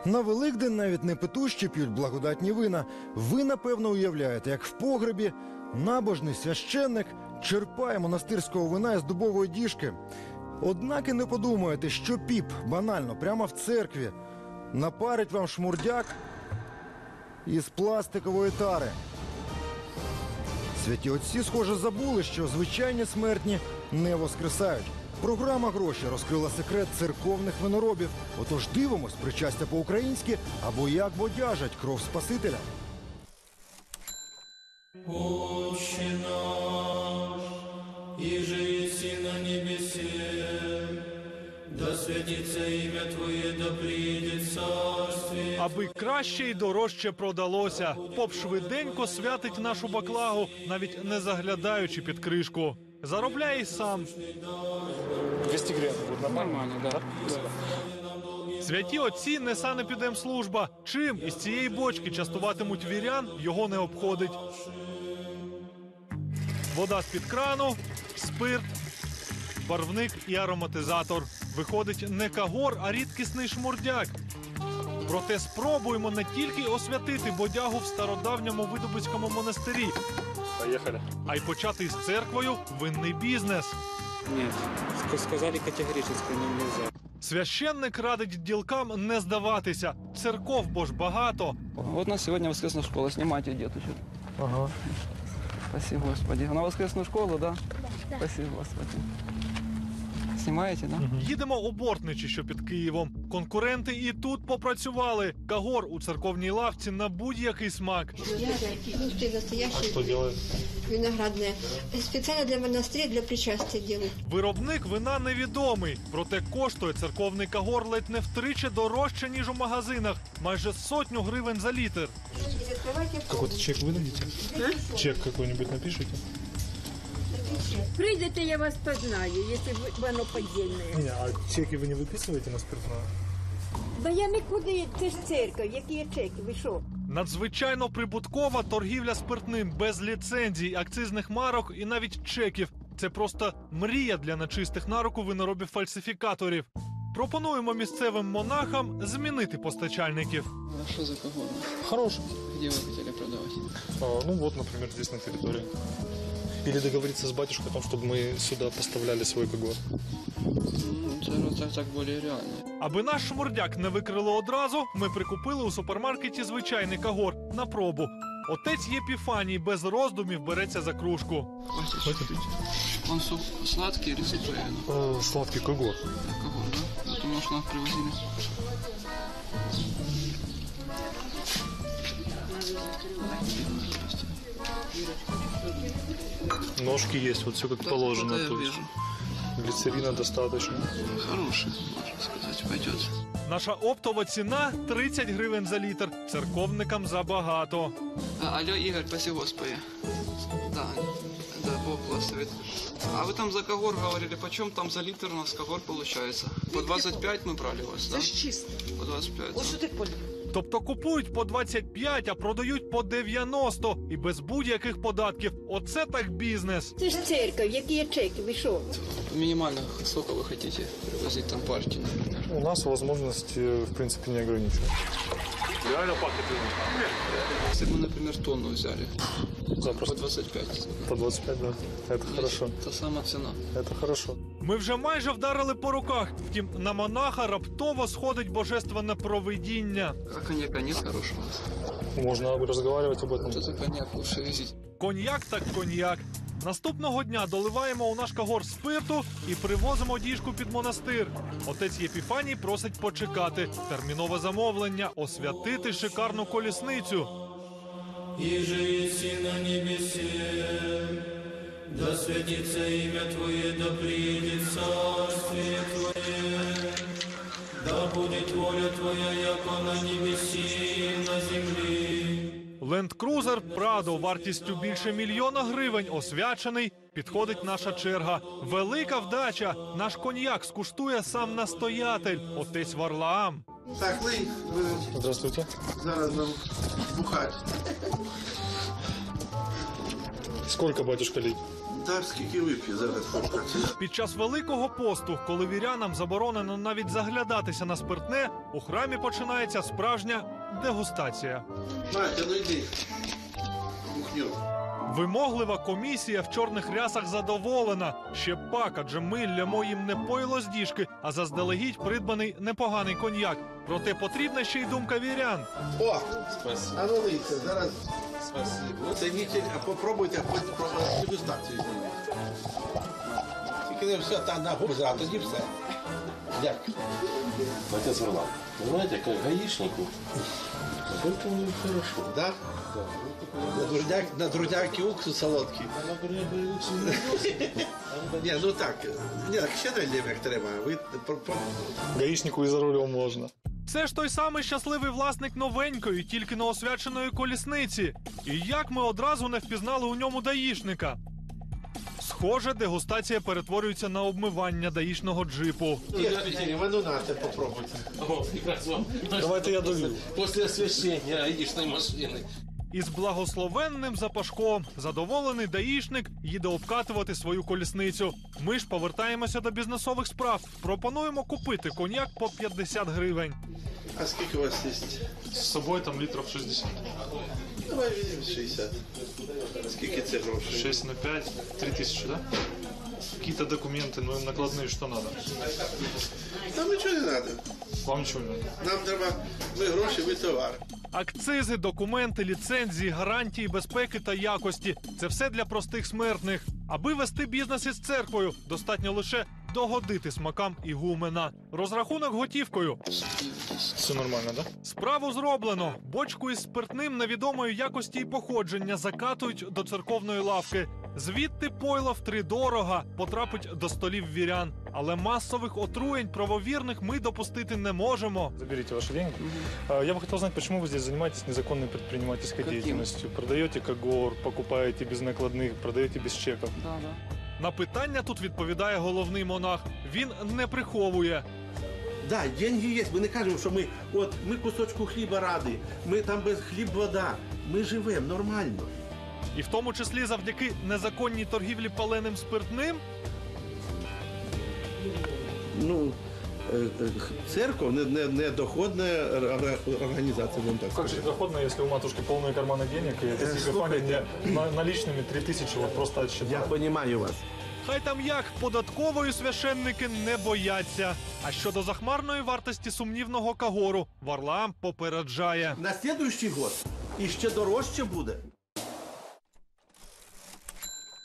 На Великдень навіть не петущі п'ють благодатні вина. Ви, напевно, уявляєте, як в погребі набожний священник черпає монастирського вина із дубової діжки. Однак і не подумаєте, що піп банально прямо в церкві напарить вам шмурдяк із пластикової тари. Святі отці, схоже, забули, що звичайні смертні не воскресають. Програма «Гроші» розкрила секрет церковних виноробів. Отож дивимось причастя по-українськи або як бодяжать кров Спасителя. Отче наш, иже еси на небесе, да святится имя Твоє, да прийде царствие. Аби краще і дорожче продалося, поп швиденько святить нашу баклагу, навіть не заглядаючи під кришку. Заробляє й сам. 200 гривен будет нормально, да? Святі отці не санепідемслужба. Чим із цієї бочки частуватимуть вірян, його не обходить. Вода з-під крану, спирт, барвник і ароматизатор. Виходить не кагор, а рідкісний шмурдяк. Проте спробуємо не тільки освятити бодягу в стародавньому Видубицькому монастирі, Поехали. а й почати з церквою винний бізнес. Нет, сказали категорически нельзя. Священник радить ділкам не здаватися. Церков бо ж багато. Вот у нас сегодня воскресная школа, снимайте деточек. Ага. Спасибо, Господи. На воскресную школу, да? Да. Спасибо, Господи. Снимаете, да? Їдемо у Бортничі, що під Києвом. Конкуренти і тут попрацювали. Кагор у церковній лавці на будь-який смак. А что делают? Виноградное. Специально для монастыря, для причастия делают. Виробник вина невідомий. Проте коштує церковний кагор ледь не втричі дорожче, ніж у магазинах. Майже 100 гривень за літр. Какой-то чек выдадите? Чек какой-нибудь напишите? Прийдете, я вас познаю, якщо воно подільне. Не, а чеки вы не выписываете на спиртное? Да я нікуди, це ж церква, які є чеки, ви що? Надзвичайно прибуткова торгівля спиртним без ліцензій, акцизних марок і навіть чеків. Це просто мрія для нечистих на руку виноробів-фальсифікаторів. Пропонуємо місцевим монахам змінити постачальників. А что за кого? Хороший. Где вы хотели продавать? Ну вот, например, здесь на территории. Или договориться с батюшкой о том, чтобы мы сюда поставляли свой кагор. Так более реально. Аби наш шмурдяк не викрили одразу, ми прикупили у супермаркеті звичайний кагор на пробу. Отець Єпіфаній без роздумів береться за кружку. Он сладкий или сухой? Сладкий кагор. Кого, да? Это может нас привозили. Ножки есть, вот все как положено. Да, я то есть вижу. глицерина достаточно. Хороший, можно сказать, пойдет. Наша оптова ціна – 30 гривень за літр. Церковникам забагато. Алло, Игорь, спасибо Господи. Да, Бог благословит. А вы там за кагор говорили, почем там за литр у нас кагор получается? По 25 мы брали у вас, да? Це ж чисто. По 25. Ось що ти поняв? Тобто купують по 25, а продають по 90 і без будь-яких податків. Оце так бізнес. Це ж церква, які є чеки, ви що? Минимально сколько вы хотите привозить там партии, например? У нас возможности, в принципе, не ограничены. Реально пахнет вином. Если бы мы, например, тонну взяли, по Запросто. 25. По 25, да. Это хорошо. Та сама цена. Это хорошо. Ми вже майже вдарили по руках. Втім, на монаха раптово сходить божественне провидіння. А коньяка нет хорошего? Можно разговаривать об этом. Вот это коньяк лучше везить. Коньяк так коньяк. Наступного дня доливаємо у наш кагор спирту і привозимо діжку під монастир. Отець Єпіфаній просить почекати. Термінове замовлення – освятити шикарну колісницю. Иже еси на небесе, да святится имя Твое, да придет царствие Твое, да будет воля Твоя, яко на небеси и на землі. Ленд-крузер Прадо вартістю більше $1 мільйон освячений. Підходить наша черга. Велика вдача. Наш коньяк скуштує сам настоятель, отець Варлаам. Так, ви Здравствуйте. зараз нам бухать. Сколько, батюшка, лить? Так, скільки вип'є зараз почнеться. Під час Великого посту, коли вірянам заборонено навіть заглядатися на спиртне, у храмі починається справжня дегустація. Матя, ну йди. Кухню. Вимоглива комісія в чорних рясах задоволена. Ще пак, адже ми лямо їм не пойло з діжки, а заздалегідь придбаний непоганий коньяк. Проте потрібна ще й думка вірян. О, а ну лийте, зараз. Спасибо. Оцініть, а попробуйте хоч про дегустацію. Тільки не все там на губу, а тоді все. Дякую. Отец Варлам, вы знаете, как гаишнику, только не хорошо. Да? На друзяки уксус солодкий. Ні, ну так. Ні, так ще не як треба. Ви Гаишнику и за рулем можно. Це ж той самий щасливий власник новенької, тільки неосвяченої колісниці. І як ми одразу не впізнали у ньому даїшника? Схоже, дегустація перетворюється на обмивання даїшного джипу. Є, ну нате, попробуйте. О, прекрасно. Давайте я долью. После освещения гаишной машины. Із благословенним запашком задоволений даїшник їде обкатувати свою колісницю. Ми ж повертаємося до бізнесових справ. Пропонуємо купити коньяк по 50 гривень. А скільки у вас є? С собой там литров 60. Давай візьмемо 60. Скільки це грошей? 6 на 5, 3000, да? Какие-то документы, ну накладные, что надо? Нам нічого не треба. Вам ничего не надо. Нам треба, ви гроші, ви товар. Акцизи, документи, ліцензії, гарантії безпеки та якості – це все для простих смертних. Аби вести бізнес із церквою, достатньо лише догодити смакам ігумена. Розрахунок готівкою. Все нормально, да? Справу зроблено. Бочку із спиртним невідомої якості і походження закатують до церковної лавки. Звідти пойло втридорога потрапить до столів вірян. Але масових отруєнь правовірних ми допустити не можемо. Заберите ваши деньги. Я бы хотел знать, почему вы здесь занимаетесь незаконной предпринимательской деятельностью? Продаете когор, покупаете без накладных, продаете без чеков. На питання тут відповідає головний монах. Він не приховує. Да, деньги є. Ми не кажемо, що ми кусочку хліба раді, ми там без хліб вода. Ми живемо нормально. І в тому числі завдяки незаконній торгівлі паленим спиртним. Ну, церковь не доходна організація, будемо так Как же сказати. доходно, если у матушки полные карманы денег, и эта сикофания наличными 3000 вот просто Я отсчитала? розумію вас. Хай там як, податкової священники не бояться. А щодо захмарної вартості сумнівного кагору, Варлаам попереджає. На наступний год іще дорожче буде.